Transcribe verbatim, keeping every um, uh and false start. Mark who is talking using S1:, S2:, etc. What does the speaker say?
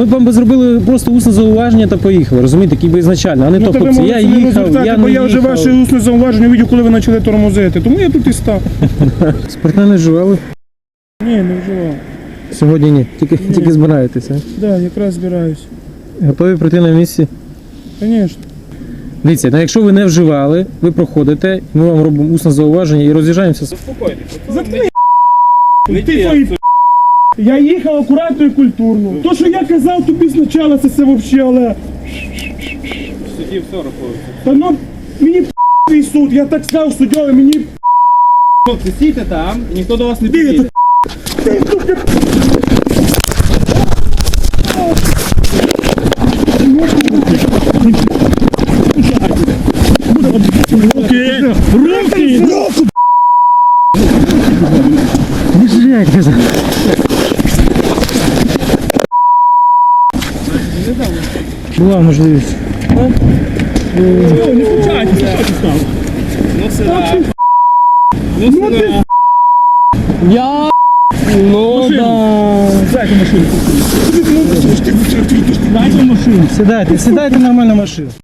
S1: ми б вам би зробили просто усне зауваження та поїхали, розумієте, такий би ізначально, а не
S2: Ну,
S1: то,
S2: то ви
S1: хлопці, я
S2: можете не
S1: їхав,
S2: розвертати,
S1: я
S2: бо
S1: не
S2: я вже
S1: їхав.
S2: ваше усне зауваження видів, коли ви почали тормозити. Тому я тут і став.
S1: Спиртне не вживали?
S2: Ні, не вживав.
S1: Сьогодні ні, тільки, тільки збираєтеся.
S2: Так, да, якраз збираюсь.
S1: Готові прийти на місці?
S2: Звісно.
S1: Дивіться, ну, якщо ви не вживали, ви проходите, ми вам робимо усне зауваження і роз'їжджаємося.
S2: Заткни, ти твої п***. Я їхав акуратно і культурно. То, що я казав тобі спочатку, це все взагалі, але...
S3: Судді все рахується.
S2: Та ну, мені п*** твій суд, я так сказав суддєві, мені п***.
S3: Хлопці, стійте там, і ніхто до вас не
S2: Ти,
S3: підійде.
S2: ти, сука, руки, руки, руки.
S1: Не жряй, казав. Була можливість.
S2: Не включайтеся, що ти став?
S3: Ну сюди. Ну сюди.
S1: Я... Ну да.
S2: Дайте машину. Дайте машину.
S1: Сідайте, сідайте нормально в машину.